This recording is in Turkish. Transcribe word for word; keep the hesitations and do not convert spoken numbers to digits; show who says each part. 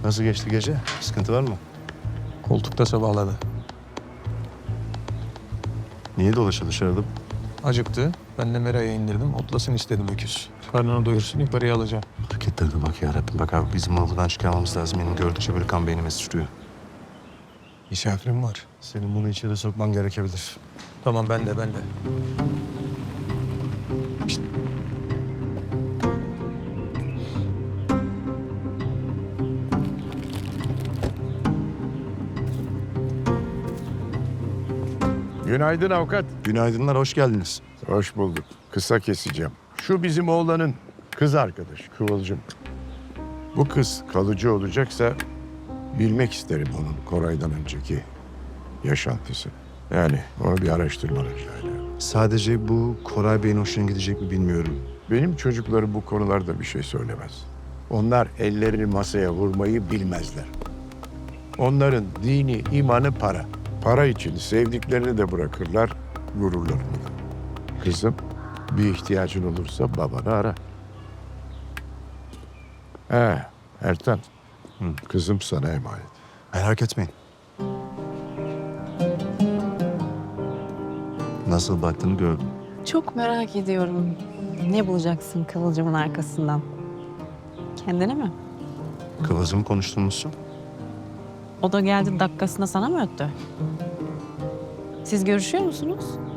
Speaker 1: Nasıl geçti gece? Sıkıntı var mı?
Speaker 2: Koltukta sabahladı.
Speaker 1: Niye dolaşıyor dışarıda?
Speaker 2: Acıktı. Ben de meraya indirdim. Otlasın istedim öküz. Karnını doyursun yukarıya alacağım.
Speaker 1: Hareketlerine bak ya Rabbim. Bak abi bizim onu buradan çıkarmamız lazım. Benim gördükçe böyle kan beynime sıçrıyor.
Speaker 2: Misafirim var.
Speaker 1: Senin bunu içeri sokman gerekebilir.
Speaker 2: Tamam ben de ben de.
Speaker 3: Günaydın avukat.
Speaker 1: Günaydınlar, hoş geldiniz.
Speaker 3: Hoş bulduk. Kısa keseceğim. Şu bizim oğlanın kız arkadaşı Kıvılcım. Bu kız kalıcı olacaksa bilmek isterim onun Koray'dan önceki yaşantısı. Yani onu bir araştırmanı rica ederim.
Speaker 1: Sadece bu Koray Bey'in hoşuna gidecek mi bilmiyorum.
Speaker 3: Benim çocuklarım bu konularda bir şey söylemez. Onlar ellerini masaya vurmayı bilmezler. Onların dini, imanı para. Para için sevdiklerini de bırakırlar, gururlarını da. Kızım, bir ihtiyacın olursa babanı ara. He, Ertan.
Speaker 1: Hı.
Speaker 3: Kızım sana emanet.
Speaker 1: Merak etmeyin. Nasıl baktığını gördüm.
Speaker 4: Çok merak ediyorum. Ne bulacaksın Kıvılcım'ın arkasından? Kendine mi?
Speaker 1: Kıvılcımı konuştunuz mu?
Speaker 4: O da geldi dakikasında sana mı öttü? Siz görüşüyor musunuz?